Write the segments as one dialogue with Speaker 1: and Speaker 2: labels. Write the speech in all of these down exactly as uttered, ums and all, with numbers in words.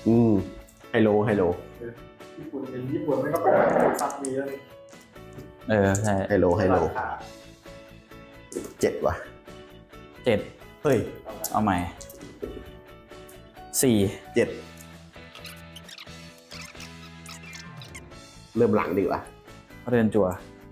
Speaker 1: อืมไฮโลไฮโล
Speaker 2: ญี่ปุ่นเป็นญี่ปุ่นไม่ก็เป็นซับมีแล้วนี่
Speaker 3: เออใช่
Speaker 1: ไฮโลไฮโลเจ็ดว่ะ
Speaker 3: เจ็ด
Speaker 1: เฮ้ย
Speaker 3: เอาใหม่สี่
Speaker 1: เจ็ดเริ่มหลังดีกว่า
Speaker 3: เรือนจั่ว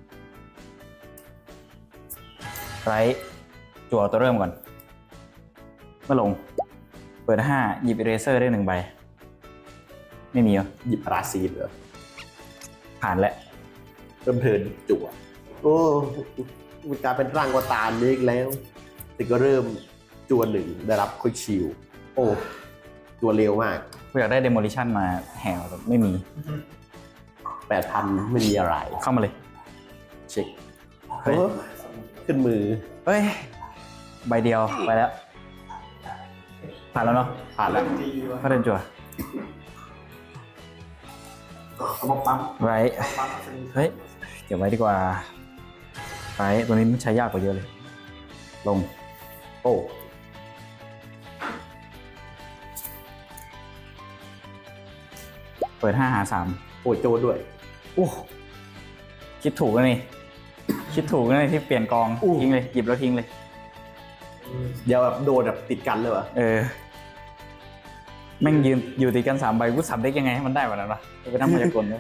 Speaker 3: ไรจั่วตัวเริ่มก่อนเมื่อลง เปิดห้าหยิบเอเรเซอร์ได้หนึ่งใบ ไม่มีเหรอ
Speaker 1: หยิบปราซีนเหรอ
Speaker 3: ผ่านแล้ว
Speaker 1: เริ่มเทิร์นจั่วโอ้มันกลายเป็นร่างวตารนี้อีกแล้วแต่ก็เริ่มจั่วหนึ่งได้รับควิกชิลโอ้ตัวเร็วมาก
Speaker 3: กูอยากได้เดโมลิชันมาแหวแต่ไม่มี
Speaker 1: แปดพันไม่มีอะไร
Speaker 3: เข้ามาเลย
Speaker 1: เช็ค
Speaker 3: เฮ้ย
Speaker 1: โอ้ขึ้นมือ
Speaker 3: เฮ้ย ใบเดียวไปแล้ว ผ่านแล้วเนาะ
Speaker 1: ผ่านแล้ว
Speaker 2: ดีวะ
Speaker 3: ก็เดินจั่ว
Speaker 2: เขาบอกปั๊ม
Speaker 3: ไร
Speaker 2: ปั๊ม
Speaker 3: เฮ้ย เก็บไว้ดีกว่าไรตัวนี้มันใช้ยากกว่าเยอะเลย ลง
Speaker 1: โอ้
Speaker 3: เปิดห้าหาสาม
Speaker 1: โอ้โจดด้วย
Speaker 3: อู้คิดถูกแล้วนี่ คิดถูกแล้วนี่ที่เปลี่ยนกองทิ้งเลย หยิบแล้วทิ้งเลย
Speaker 1: เดี๋ยวแบบโดนแบบติดกันเลยวะ
Speaker 3: เออ แม่งยืนอยู่ติดกันสามใบกูสับได้ยังไงให้มันได้แบบนั้นวะไปนั่งมายากลเลย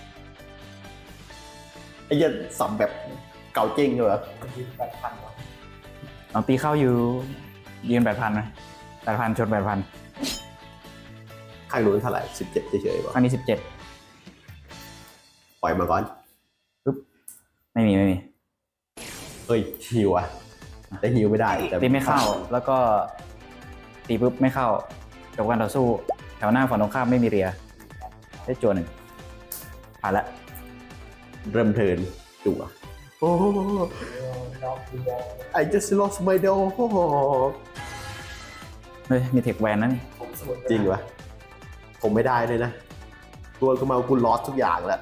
Speaker 1: ไอ้เหี้ยันสับแบบเก่าจริงเลยวะ
Speaker 2: ยืนแปดพันวะ
Speaker 3: เอาตีเข้าอยู่ยืนแปดพันไหมแปดพันชนแปดพัน
Speaker 1: ข้างนู้นเท่าไหร่สิบเจ็ดเฉยๆวะ
Speaker 3: อันนี้สิบเจ็ด
Speaker 1: ปล่อยมาก่อน
Speaker 3: ปึ๊บไม่มีไม่มี
Speaker 1: เฮ้ยฮิวอะแต่ฮิวไม่ได้แต่
Speaker 3: ตีไม่เข้าแล้วก็ตีปุ๊บไม่เข้าจบการต่อสู้แถวหน้าฝั่งตรงข้ามไม่มีเรียได้จวนหนึ่งผ่านละ
Speaker 1: เริ่มเทิร์นจั่วโอ้
Speaker 2: น้องดูบอล
Speaker 1: I just lost my dog
Speaker 3: เฮ้ยมีเทคแวนนะนี่
Speaker 2: ผมสมุด
Speaker 1: จริงวะผมไม่ได้เลยนะ ตัวกูมากูลอสทุกอย่างแล้ว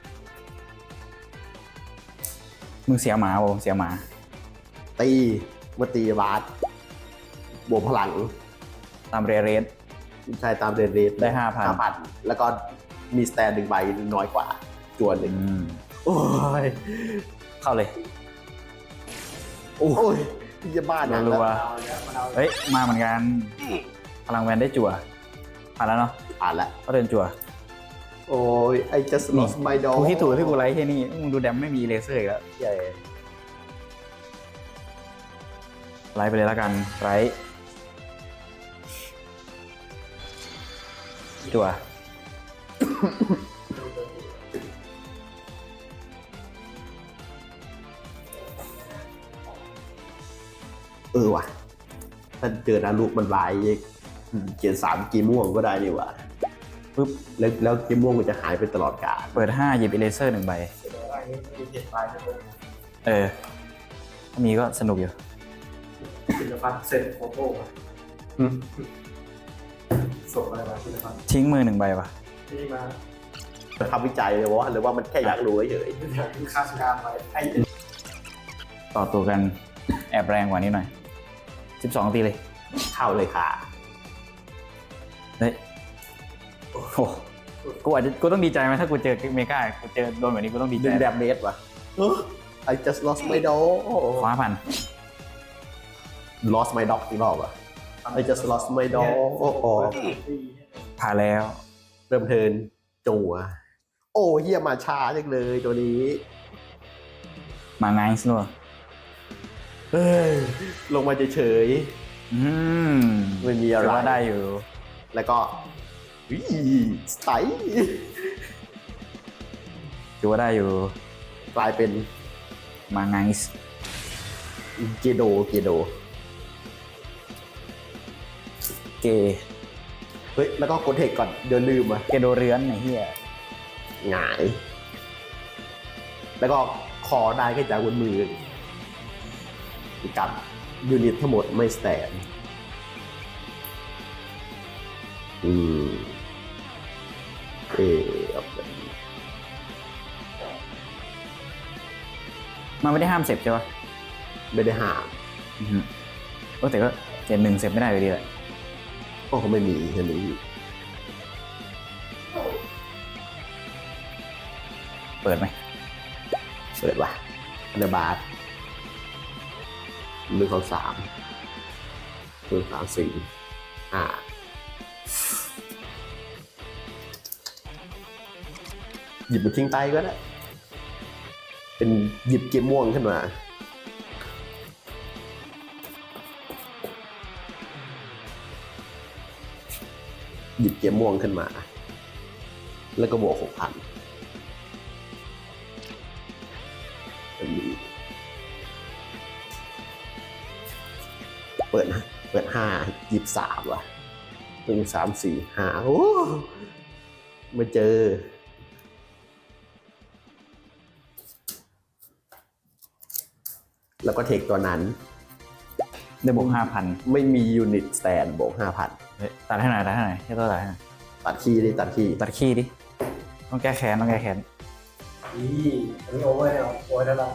Speaker 3: มึงเสียหมาโอเสียหมา
Speaker 1: ตีมาตีบาสบวกพลัง
Speaker 3: ตามเรียเรส
Speaker 1: ใช่ตามเรนเรท
Speaker 3: ได้ห้าพัน
Speaker 1: ห้าพันแล้วก็มีสแตนหนึ่งใบน้อยกว่าจวนหนึ่ง
Speaker 3: อืม
Speaker 1: โอ้ย
Speaker 3: เข้าเลย
Speaker 1: โอ้ยพี่จะบ้านะ
Speaker 3: รัว
Speaker 2: เอาแล้วมันเอา
Speaker 3: เฮ้ยมาเหมือนกันพลังแวนได้จั่วผ่านแล้วเนาะ
Speaker 1: ผ่านแล้ว
Speaker 3: ก็เดินจั่ว
Speaker 1: โอ้ย I just
Speaker 3: นี่
Speaker 1: lost my dog
Speaker 3: กูที่ถูกที่กูไลท์ที่นี่มึงดูแดมไม่มีเลเซอร์อีกแล้วใหญ่ไลท์ไปเลยแล้วกันไลท์จั่ว
Speaker 1: เออว่ะถ้าเจอนารุมันลายเกียนสามกีม่วงก็ได้นี่หว่า
Speaker 3: ปึ๊บ
Speaker 1: แล้วแล้วกีม่วงมันจะหายไปตลอดกาล
Speaker 3: เปิดห้าหยิบเลเซอร์หนึ่งใบ
Speaker 2: อะไรนี้มีเจ็ดใบใช่ไหม
Speaker 3: เออถ้ามีก็สนุกอยู่
Speaker 2: ศิลปะเซ็นโฟโต้อะส่งอะไรมาศิลปะ
Speaker 3: ทิ้งมือหนึ่งใบว่ะ
Speaker 2: ที่มา
Speaker 1: ทำวิจัยเลยวะหรือว่ามันแค่อยากรู้เฉย
Speaker 2: อยากดูค่าสกามไปไอ้
Speaker 3: ต่อตัวกันแอบแรงกว่านี้หน่อยสิบสองตีเลย
Speaker 1: ๆเข้าเลยค่ะ
Speaker 3: เฮ้ยโอ้โหกูอาจจะกูต้องดีใจไหมถ้ากูเจอเมกากูเจอโดนแบบนี้กูต้องดีใจ
Speaker 1: ดึงแดมเมจว่ะเออ I just lost my dog
Speaker 3: คว้าพัน
Speaker 1: lost my dog อีกรอบอ่ะ I just lost my dog โอ้โห
Speaker 3: ผ่านแล้ว
Speaker 1: เริ่มเทิร์นจั่วโอ้เฮียมาช้าจังเลยตัวนี้
Speaker 3: มาไงส์นัว
Speaker 1: เฮ้ย ลงมาเฉย
Speaker 3: อืม
Speaker 1: ๆไม่มีอะไร
Speaker 3: ถืว่าได้อยู่
Speaker 1: แล้วก็วิสไตล์
Speaker 3: ถือว่าได้อยู่
Speaker 1: กลายเป็น
Speaker 3: มาไงส์
Speaker 1: เกโดเกโด
Speaker 3: เก
Speaker 1: เฮ้ย แล้วก็กดเทคก่อน เดี๋ยวลืมอ่ะ
Speaker 3: เกโดเรือนไอ้เหี้ย
Speaker 1: หงาย แล้วก็คอได้แค่จากบนมือกับยูนิตทั้งหมดไม่สแตนอืมเออเอาไป
Speaker 3: มันไม่ได้ห้ามเสพใช่ปะ
Speaker 1: ไม่ได้ห้าม
Speaker 3: อือฮึโอ้แต่ก็เจ็ดหนึ่งเสพไม่ได้อยู่ดีแหละ
Speaker 1: เพราะเขาไม่มีอันนี้
Speaker 3: เปิดไหม
Speaker 1: เปิดว่ะอันเดอร์บาร์หนึ่งสองสามหนึ่งสามสี่ห้าหยิบมาทิ้งใต้ก็ได้เป็นหยิบเกมม่วงขึ้นมาหยิบเกมม่วงขึ้นมาแล้วก็บวกหกพันเปิดนะเปิดห้าหยิบสามว่ะหนึ่งสามสี่ห้าโอ้มาเจอแล้วก็เทคตัวนั้น
Speaker 3: ได้บวกห้าพัน
Speaker 1: ไม่มียูนิตสแตนบวกห้าพัน
Speaker 3: ตัดให้หน่อยตัดให้หน่อยแค่ตัวตัดให้หน่อย
Speaker 1: ตัดคีย์ดิตัดคีย์
Speaker 3: ตัดขี้ดิ ต้องแก้แค้นต้องแก้แค้น
Speaker 2: นี่อันนี้โอเวอร์เนี่ยโอ้ยแล้วล่ะ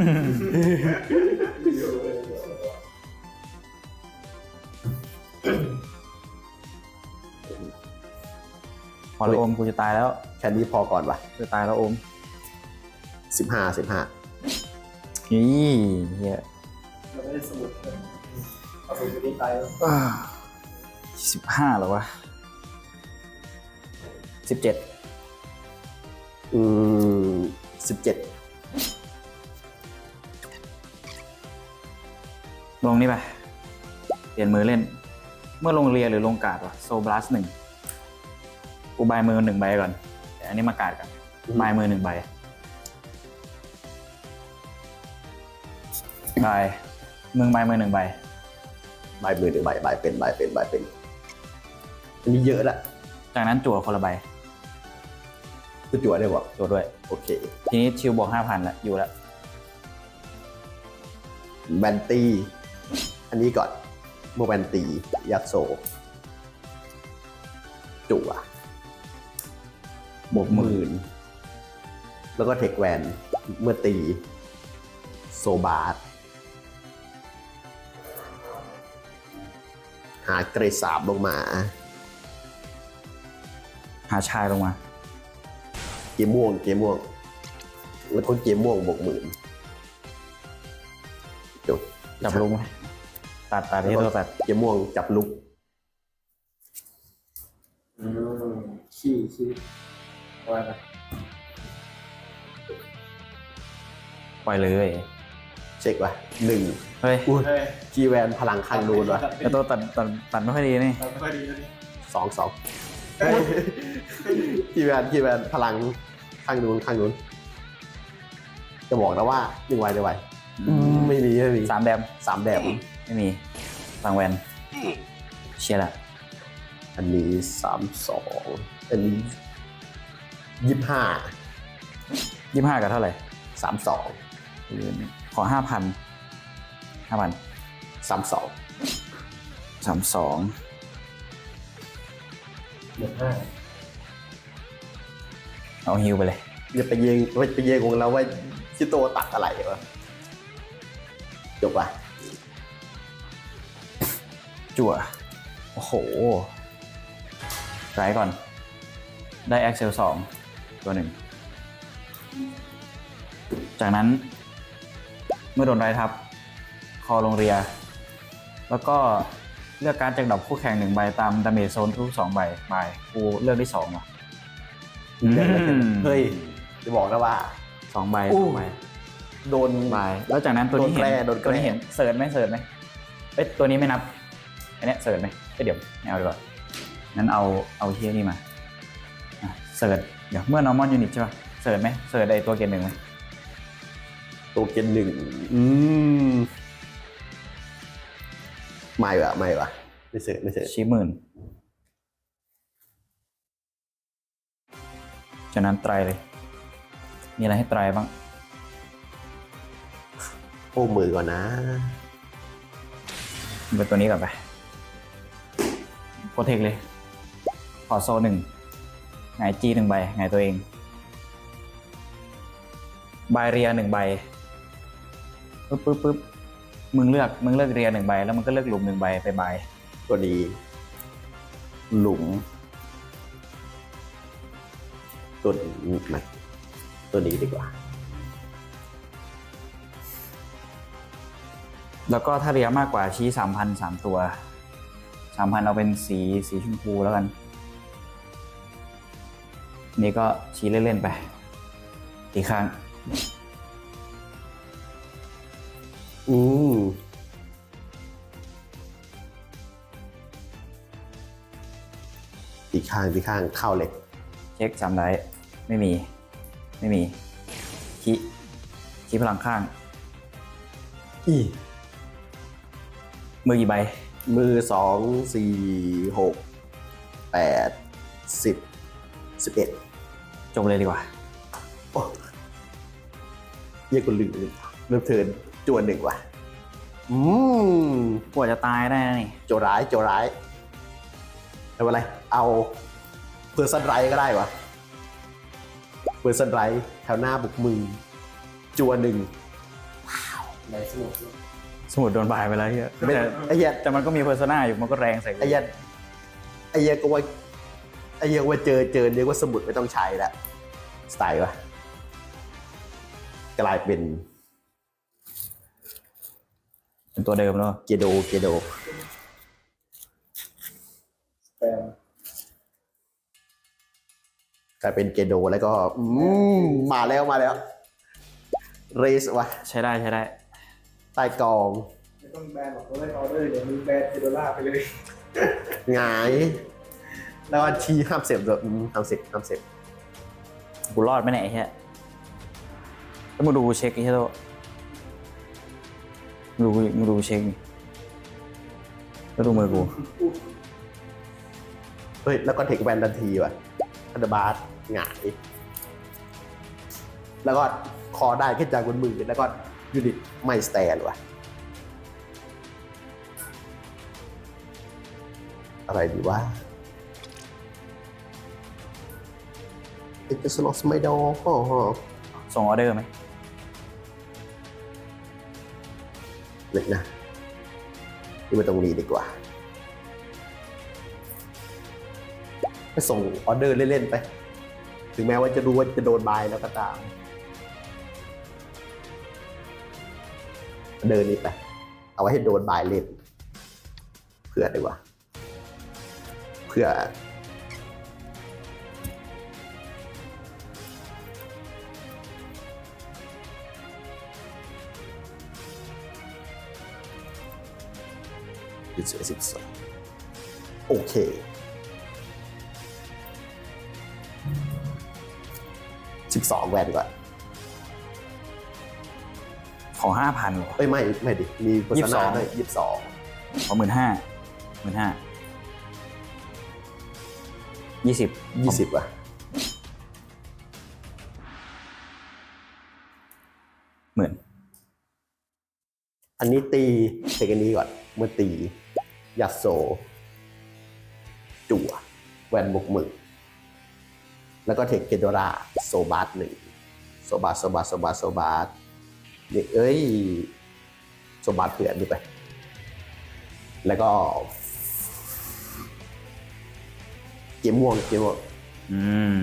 Speaker 3: พอแล้วโอมกูจะตายแล้ว
Speaker 1: แค่นี้พอก่อนว่ะ
Speaker 3: จะตายแล้วโอม
Speaker 1: สิบห้าสิบห้า
Speaker 3: นี่เฮีย
Speaker 2: เราไม่ได้สมุดเลยเอาสมุดไปนี่ไปแล้ว
Speaker 3: สิบห้าเหรอวะสิบเจ็ด
Speaker 1: อืมสิบเจ็ด
Speaker 3: ลงนี่ไปเปลี่ยนมือเล่น เมื่อลงเรียหรือลงการ์ดวะโซบลัสหนึ่งกูบายมือหนึ่งใบก่อนแต่อันนี้มาการ์ดกันบายมือหนึ่งใบ ใบมึงใบมือหนึ่งใบ
Speaker 1: ใบมือหนึ่งใบใบเป็นใบเป็นใบเป็นอันนี้เยอะละ
Speaker 3: จากนั้นจั่วคนละใบ
Speaker 1: กูจั่วได้บ่
Speaker 3: จั่วด้วย
Speaker 1: โอเค
Speaker 3: ทีนี้ชิวบวกห้าพันแล้วอยู่แล้ว
Speaker 1: แบนตีอันนี้ก่อนโมแบนตียักษ์โซจั่วบวกหมื่นแล้วก็เทคแวนเมื่อตีโซบาร์หาเกรดสามลงมา
Speaker 3: หาชายลงมา
Speaker 1: เกมม่วงเกมม่วงแล้วก็เกมม่วงบวกหมื่นจบ
Speaker 3: จับลุงไหมตัดตัดที่ตัวตัด
Speaker 1: เกมม่วงจับลุก
Speaker 2: อืมขี้ขี้ว่าไป
Speaker 3: ปล่อยเลย
Speaker 1: เช็คว่ะหนึ่ง
Speaker 3: เฮ้ย
Speaker 1: อุ้ย
Speaker 2: เฮ้ย
Speaker 1: จีแวนพลังข้างนูนว่ะ
Speaker 3: ไอตัวตัดตัดตัดไม่ค่อยดีนี่
Speaker 2: เราไม่ค่อยดีแล้วนี่
Speaker 1: สองสองจีแวนจีแวนพลังข้างนูนข้างนูนจะบอกนะว่าหนึ่งไวหนึ่งไวอืมไม่มีไม่มี
Speaker 3: สามแดม
Speaker 1: สามแดม
Speaker 3: ไม่มีสังแวนเชียร์ละ
Speaker 1: อันนี้สามสองอันนี้ยี่สิบห้า
Speaker 3: ยี่ห้ากับเท่าไหร่
Speaker 1: สามสอง
Speaker 3: ขอห้าพันห้าพัน
Speaker 1: สามสอง
Speaker 3: สามสอง
Speaker 2: เหลือห้า
Speaker 3: เอาฮิวไปเลย
Speaker 1: อย่าไปเยงไปเยงของเราว่าชิโตตัดอะไรวะจบว่ะ
Speaker 3: จั่วโอ้โหไรก่อน ได้ Excel สองตัวหนึ่ง จากนั้น เมื่อโดนไรทับ คอลงเรีย แล้วก็เลือกการดจากดอกคู่แข่งหนึ่งใบตามดาเมจโซนทุกสองใบใบกูเลือกได้สองอ่ะ
Speaker 1: เลือกอะไรกันเฮ้ยจะบอกนะว่า
Speaker 3: สองใบ
Speaker 1: อู้
Speaker 3: สองใบ
Speaker 1: โดน
Speaker 3: ใบแล้วจากนั้นตัวนี้เห็น
Speaker 1: โดนแกล้โดนแกล้
Speaker 3: ตัวนี้เห็นเสิร์ชไหมเสิร์ชไหมเอ้ยตัวนี้ไม่นับอันเนี้ยเสิร์ชไหมเอ้ยเดี๋ยวไม่เอาดีกว่างั้นเอาเอาเฮียนี่มาอ่ะเสิร์ชเดี๋ยวเมื่อ normal unit ใช่ป่ะเสิร์ชไหมเสิร์ชไอตัวเกณฑ์หนึ่งไหม
Speaker 1: ตัวเกนหนึ่งอืมไม่วะไม่วะไม่เสร็จไม่เสร็จ
Speaker 3: ชี้หมื่นจากนั้นไตรเลย มีอะไรให้ไตรบ้าง
Speaker 1: โอ้มือก่อนนะ
Speaker 3: เป็นตัวนี้ก่อนไปโปรเทคเลย ขอโซหนึ่งหงายจีหนึ่งใบหงายตัวเองใบเรียหนึ่งใบปึ๊บปึ๊บปึ๊บมึงเลือกมึงเลือกเรียหนึ่งใบแล้วมึงก็เลือกหลุมหนึ่งใบไปใบ
Speaker 1: ตัวนี้หลุมตัวนี้มันตัวนี้ดีกว่า
Speaker 3: แล้วก็ถ้าเรียมากกว่าชี้สามพันสามตัวสามพันเอาเป็นสีสีชมพูแล้วกัน นี่ก็ชี้เล่นๆไปอีกครั้ง
Speaker 1: อืมอีกข้างอีกข้างเข้าเลย
Speaker 3: เช็คสามได้ไม่มี ไม่มีชี้ชี้พลังข้าง
Speaker 1: อี
Speaker 3: มือกี่ใบ
Speaker 1: มือสองสี่หกแปดสิบสิบเอ็ด
Speaker 3: จบเลยดีกว่า
Speaker 1: โอ้เยี่ยกูลืมเลยเริ่มเทิร์นจวนหนึ่งว่ะ อืม
Speaker 3: กว่าจะตายได้นะนี่
Speaker 1: โจร้ายโจร้ายไม่เป็นไร เอาเพอร์ซันไรก็ได้วะเพอร์ซันไรแถวหน้าบุกมือจวนหนึ่ง
Speaker 2: ในสนุก
Speaker 3: สมุดโดนบายไปแล้วเฮีย
Speaker 1: ไม่
Speaker 3: แต่
Speaker 1: ไอ้เหี้ย
Speaker 3: แต่มันก็มีเพอร์ซนาอยู่มันก็แรงใส่กู
Speaker 1: ไอ้เหี้ยไอ้เหี้ยก็ว่าไอ้เหี้ยว่าเจอเจอเรียกว่าสมุดไม่ต้องใช้แล้วสไตล์วะกลายเป็น
Speaker 3: เป็นตัวเดิมแล้ว
Speaker 1: เกโดเกโด
Speaker 2: แปม
Speaker 1: กลายเป็นเกโดแล้วก็อืมมาแล้วมาแล้วเรสวะ
Speaker 3: ใช้ได้ใช้ได้
Speaker 1: ใต้กอง
Speaker 2: ไม่ต้องแบนหรอกเราได้ออเดอร์เดี๋ยวมีแบนเทโดล่าไปเลย
Speaker 1: หงาย แล้วก็ชี้ห้ามเสพด้วยอืมห้ามเสพห้ามเสพ
Speaker 3: กูรอดไหมเนี่ยไอ้เฮียแล้วมึงดูกูเช็คไอ้เฮียโตมึงดูกูมึงดูกูเช็คนี่แล้วดูมือกู
Speaker 1: เฮ้ยแล้วก็เทคแวนทันทีว่ะอันเดอร์บาร์หงาย แล้วก็คอได้ขึ้นจากบนมือแล้วก็ยูนิตไม่สแตนว่ะอะไรดีวะเอ็กซ์ลอสไม่ดออ๋อ
Speaker 3: ส่งออเดอร์ไหม
Speaker 1: เล็กนะนี่มาตรงนี้ดีกว่าไปส่งออเดอร์เล่นๆไป ถึงแม้ว่าจะรู้ว่าจะโดนบายแล้วก็ตาม เดินนี้ไป เอาไว้ให้โดนบายเล่นเพื่อดีกว่าเพื่อสิบสิบสองโอเคสิบสองแวนก่อน
Speaker 3: ขอห้าพันหรอ
Speaker 1: เอ้ยไม่ไม่ดิ มีโฆษณาด้วยยี่สิบสอง
Speaker 3: ขอหมื่นห้าหมื่นห้ายี่สิบ
Speaker 1: ยี่สิบว่ะ
Speaker 3: หมื่น
Speaker 1: อันนี้ตีเทคอันนี้ก่อน เมื่อตียัดโซ จั่วแวนบกมือ แล้วก็เทคเกโดราโซบาร์หนึ่งโซบาร์โซบาร์โซบาร์โซบาร์นี่เอ้ยโซบาร์เผื่อนนี่ไป แล้วก็เกมม่วงเกมม่วง
Speaker 3: อืม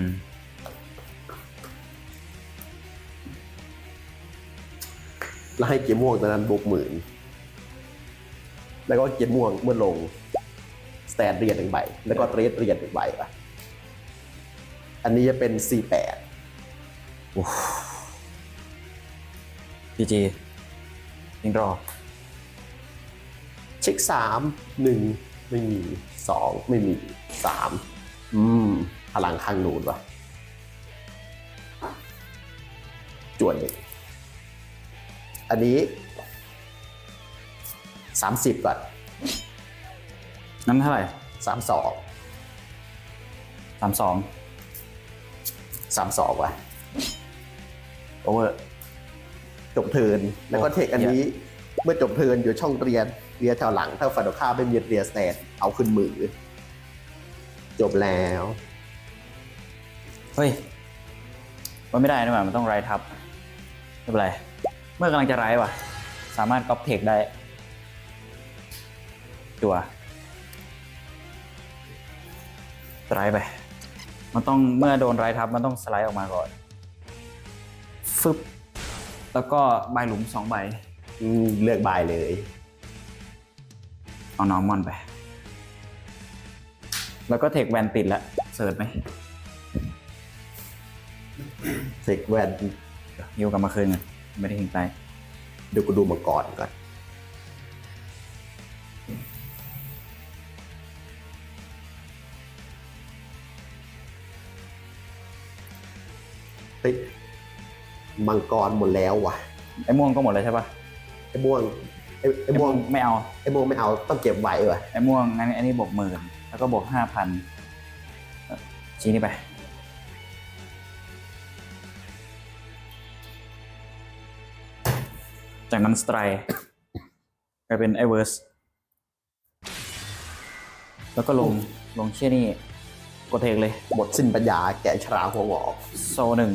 Speaker 1: แล้วให้เกมม่วงตอนนั้นบวกหมื่น แล้วก็เกมม่วงเมื่อลงสแตนเรียนหนึ่งใบ แล้วก็เทรดเรียนหนึ่งใบป่ะ อันนี้จะเป็น สี่แปด
Speaker 3: พีจียิงรอ
Speaker 1: เช็คสามหนึ่งไม่มีสองไม่มีสามอืมพลังข้างนูนว่ะจวนหนึ่งอันนี้สามสิบก่อน
Speaker 3: นั้นเท่าไหร่
Speaker 1: สามสอง
Speaker 3: สามสอง
Speaker 1: สามสองว่ะ
Speaker 3: โอเวอร์
Speaker 1: จบเทิร์นแล้วก็เทคอันนี้เมื่อจบเทิร์นอยู่ช่องเรียนเรียนแถวหลัง ถ้าฝันตรงข้ามไม่มีเรียนสแตนเอาขึ้นมือ จบแล้ว
Speaker 3: เฮ้ย มันไม่ได้นะมันต้องไรทับ ไม่เป็นไร เมื่อกำลังจะไรว่ะ สามารถก๊อปเทคได้ จั่วสไลด์ไป มันต้องเมื่อโดนไรทับมันต้องสไลด์ออกมาก่อนฟึบแล้วก็ใบหลุมสองใบ
Speaker 1: อืมเลือกบายเลย
Speaker 3: เอานอร์มอนไป แล้วก็เทคแวนติดแล้วเสิร์ชไหม
Speaker 1: เทคแวน
Speaker 3: ยิวกลับมาคืนกันไม่ได้ทิ้งไป
Speaker 1: เดี๋ยวกูดูมังกรก่อนเฮ้ยมังกรหมดแล้วว่ะ
Speaker 3: ไอ้ม่วงก็หมดแล้วใช่ปะ
Speaker 1: ไอ้ม่วงไอ้ไอ้
Speaker 3: ไอ้
Speaker 1: ม่
Speaker 3: ม่
Speaker 1: ว
Speaker 3: ว
Speaker 1: ง
Speaker 3: งไม่เอา
Speaker 1: ไอ้ม่วงไม่เอาต้องเก็บไว้ว่ะ
Speaker 3: ไอ้ม่วงงั้นไอ้นี่บวกหมื่นแล้วก็บวกห้าพันชี้นี่ไป จากนั้นสไตร์กลายเป็นไอเวิร์สแล้วก็ลงลงเชี่ยนี่กดเทคเลย
Speaker 1: หมดสิ้นปัญญาแกะฉลามหัวงอก
Speaker 3: โซหนึ่ง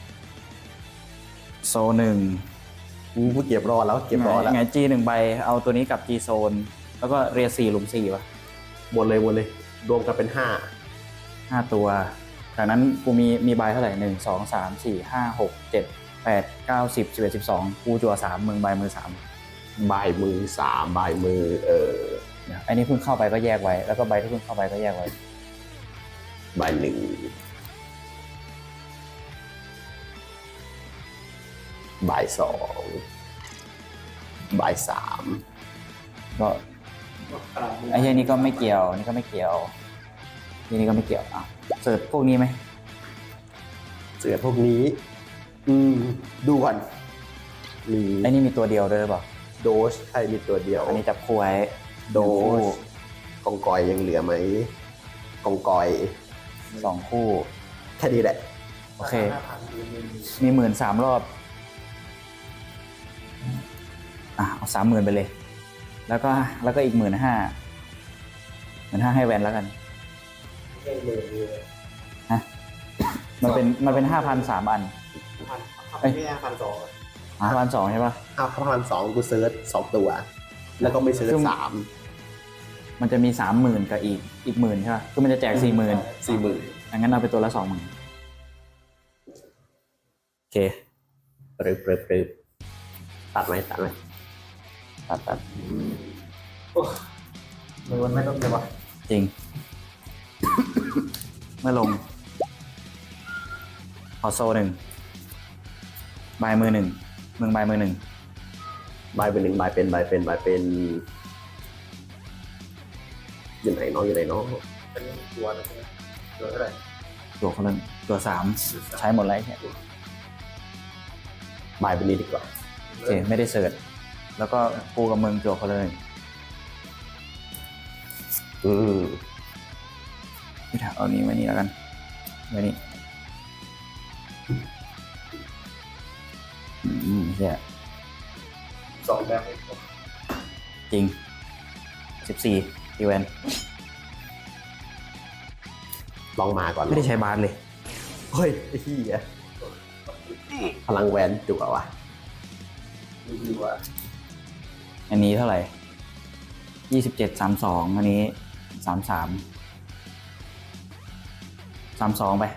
Speaker 3: โซหนึ่ง
Speaker 1: อืมกูเก็บรอแล้วเก็บรอแล้ว
Speaker 3: ไงจีหนึ่งใบเอาตัวนี้กับจีโซนแล้วก็เรียสี่หลุมสี่วะ
Speaker 1: หมดเลยหมดเลยรวมกันเป็นห้า
Speaker 3: ห้าตัวจากนั้นกูมีมีใบเท่าไหร่หนึ่งสองสามสี่ห้าหกเจ็ดแปดเก้าสิบสิบเอ็ดสิบสองกูจั่วสามมึงใบมือสาม
Speaker 1: ใบมือสามใบมือเออ
Speaker 3: เดี๋ยวอันนี้เพิ่งเข้าไปก็แยกไว้แล้วก็ใบที่เพิ่งเข้าไปก็แยกไว้
Speaker 1: ใบหนึ่งใบสองใบสาม
Speaker 3: ก็ไอ้เหี้ยนี่ก็ไม่เกี่ยวนี่ก็ไม่เกี่ยวนี่นี่ก็ไม่เกี่ยวอ่ะเสิร์ชพวกนี้ไหม
Speaker 1: เสือพวกนี้ อืมดูก่อนมี
Speaker 3: ไอ้นี่มีตัวเดียวด้วยหรือเปล่า
Speaker 1: โดสใครมีตัวเดียว
Speaker 3: อันนี้จับคู่ไว้
Speaker 1: โดสกองกอยยังเหลือไหมกองกอย
Speaker 3: สองคู่
Speaker 1: แค่นี้แหละ
Speaker 3: โอเคมีหมื่นสามรอบอ่ะเอาสามหมื่นไปเลย แล้วก็แล้วก็อีกหมื่นห้าหมื่นห้าให้แวนแล้วกันฮะมันเป็นมันเป็นห้าพันสามอัน
Speaker 2: พันพันไม่ห้าพันสอง
Speaker 3: ห้าพันสองใช่ปะ
Speaker 1: ห้าพันสองกูเซิร์ชสองตัว แล้วก็ไม่เซิร์ชสาม
Speaker 3: มันจะมีสามหมื่นกับอีกอีกหมื่นใช่ปะคือมันจะแจกสี่หมื่น
Speaker 1: สี่หมื่น
Speaker 3: งั้นเอาไปตัวละสองหมื่นโอเค
Speaker 1: ปรึบปรึบปรึบตัดไหมตัดไหม
Speaker 3: ตัดตัด
Speaker 2: มือมันไม่ต้องเลยวะ
Speaker 3: จริง เมื่อลงขอโซหนึ่งใบมือหนึ่งมึงใบมือหนึ่ง
Speaker 1: ใบเป็นหนึ่งใบเป็นใบเป็นใบเป็นอยู่ไหนน้องอยู่ไหนน้อง
Speaker 2: เป็นตัวนะใช่ไหมตัวเท่าไหร่
Speaker 3: ตัวคนละตัวสามใช้หมดแล้วแค่
Speaker 1: ใบเป็นนี้ดีกว่า
Speaker 3: โอเคไม่ได้เสิร์ชแล้วก็กูกับมึงตัวคนละหนึ่ง
Speaker 1: อืม
Speaker 3: ไม่ถามเอานี้ไว้นี่แล้วกันไว้นี่อืมเฮีย
Speaker 2: สองแบบให้ผม
Speaker 3: จริงสิบสี่ตีแวน
Speaker 1: ลองมาก่อน
Speaker 3: ไม่ได้ใช้บาสเลย
Speaker 1: เฮ้ยไอ้ที่อ่ะพลังแวนจุกอะวะ
Speaker 2: ดูดีว่า
Speaker 3: อันนี้เท่าไหร่ยี่สิบเจ็ดสามสองอันนี้สามสามสามสองไป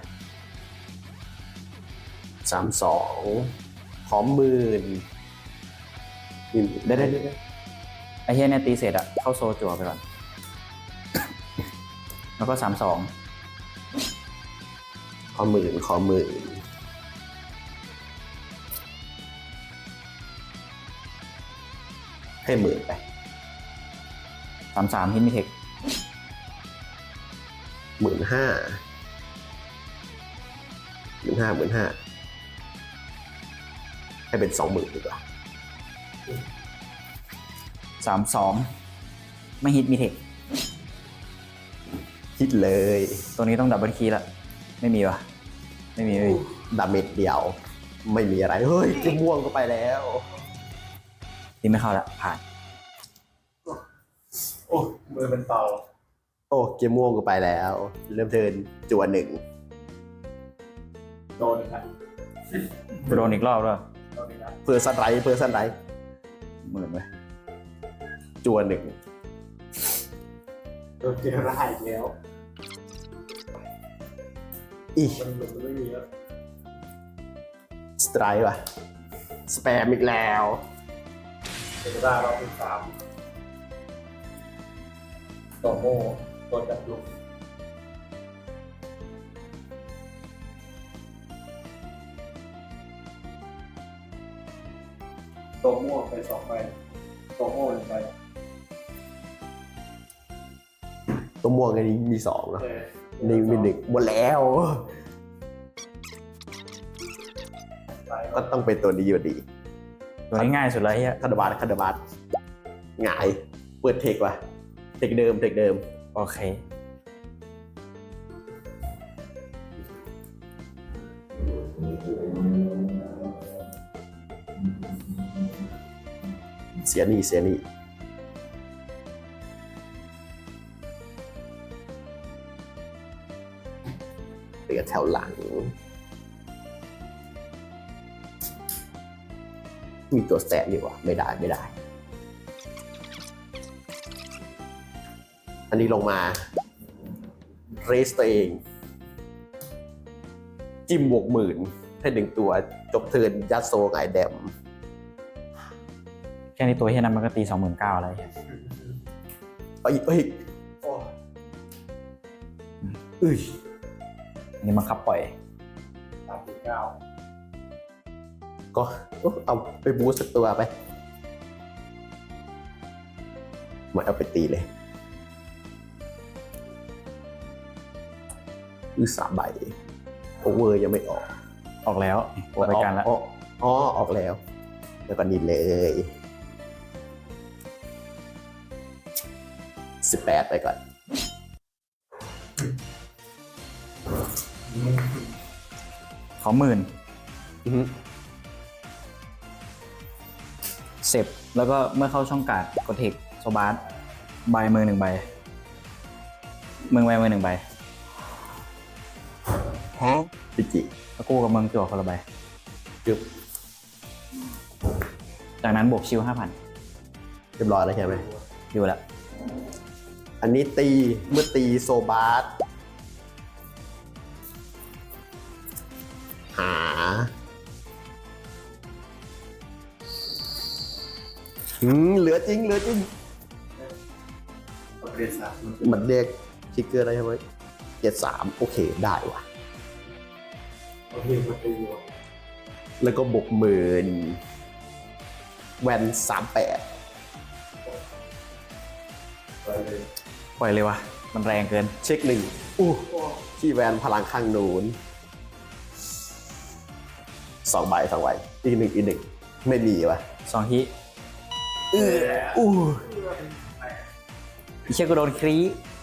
Speaker 1: สามสองพร้อมหมื่นได้ได้ได้
Speaker 3: ไอ้เฮียเนี่ยตีเสร็จอะเข้าโซจั่วไปก่อน แล้วก็สามสอง
Speaker 1: ขอหมื่นขอหมื่นให้หมื่นไป
Speaker 3: สามสามฮิตมิเทค
Speaker 1: หมื่นห้าหมื่นห้าหมื่นห้าให้เป็นสองหมื่นดีกว่า
Speaker 3: สามสองไม่ฮิตมิเทค
Speaker 1: คิดเลย
Speaker 3: ตัวนี้ต้องดับเบิลคีย์ละไม่มีวะไม่มีไม่มี
Speaker 1: ดาเมจเดียว ไม่มีอะไร เฮ้ยจิ้มม่วงก็ไปแล้ว
Speaker 3: ตีไม่เข้าละผ่าน
Speaker 2: โอ้มือเป็นเตา
Speaker 1: โอ้เกมม่วงก็ไปแล้ว เริ่มเทิร์นจวนหนึ่ง
Speaker 2: โดนอีกแล้ว
Speaker 3: โดนอีกรอบด้วย
Speaker 2: โดนอีกแล้ว
Speaker 1: เพื่อสันไรเพื่อสันไร
Speaker 3: หมื่นไป
Speaker 1: จวนหนึ่ง
Speaker 2: โดนเจอร้ายอีกแล้ว
Speaker 1: อี
Speaker 2: มันหลุดไม่มีแล้ว
Speaker 1: สไตร์ว่ะสแปมอีกแล้ว
Speaker 2: เดี๋ยวได้เราเป็นสามต่อโม่ตัวจับลุกตัวม่วงไปสองใบตัวโม่หนึ่งใบ
Speaker 1: ตัวม่วงอันนี้มีสองเนาะ
Speaker 2: เออ
Speaker 1: นี่มีหนึ่งหมดแล้ว
Speaker 2: ใบ
Speaker 1: ก็ต้องเป็นตัวนี้อยู่ดี
Speaker 3: ตัวนี้ง่ายสุดเลยเฮีย
Speaker 1: คาร์ดบาร์คาร์ดบาร์หงาย เปิดเทคว่ะ เทคเดิม เทคเดิม
Speaker 3: โอเค
Speaker 1: เสียนี่เสียนี่เหลือแถวหลัง มีตัวแสบอยู่วะไม่ได้ไม่ได้ อันนี้ลงมา เรสตัวเอง จิ้มบวกหมื่นให้หนึ่งตัว จบเทิร์นยัดโซไงายแดม
Speaker 3: แค่นี้ตัวเฮียนั้นมันก็ตีสองหมื่นเก้าอะไรเฮีย
Speaker 1: เอ้ยเอ้ย
Speaker 2: โอ้
Speaker 1: เอ้ย
Speaker 3: อันนี้บังคับปล่อย
Speaker 2: สามสิบเก้า
Speaker 1: ก็เอาไปบูสต์สักตัวไปไมาเอาไปตีเลยอือสามใบโอเวอร์ยังไม่ออก
Speaker 3: ออกแล้วโอไปกันแล้ว
Speaker 1: อ๋ออ๋อออกแล้ว แล้วก็นี่เลยสิบแปดไปก่อน
Speaker 3: ขอหมื่น
Speaker 1: อือฮึ
Speaker 3: เสร็จแล้วก็เมื่อเข้าช่องการ์ดกดเทคโซบาร์ใบมือหนึ่งใบมือใบมือหนึ่งใบ
Speaker 1: ฮะปิจิ
Speaker 3: แล้วกู้กับเมืองจั่วคนละใบ
Speaker 1: จึบ
Speaker 3: จากนั้นบวกชิวห้าพัน
Speaker 1: เรียบร้อยแล้วใช่ไหม
Speaker 3: อยู่แล้ว
Speaker 1: อันนี้ตีเมื่อตีโซบาร์หาอืมเหลือจริงเหลือจริง
Speaker 2: เรียนสาม
Speaker 1: มันเรียกทิกเกอร์อะไรใช่ไหมเจ็ดสามโอเคได้ว่ะ
Speaker 2: เราเรียนมาตีอยู่
Speaker 1: แล้วก็บวกหมื่นแวนสามแปด
Speaker 2: ไปเลย
Speaker 3: ปล่อยเลยวะมันแรงเกิน
Speaker 1: เช็คหนึ่งอู้
Speaker 2: โอ้
Speaker 1: ที่แวนพลังข้างนูนสองใบสองใบอีกหนึ่งอีกหนึ่งไม่มีว่ะ
Speaker 3: สองฮิ
Speaker 1: เอออู้
Speaker 3: อีเชี่ยก็โดนครี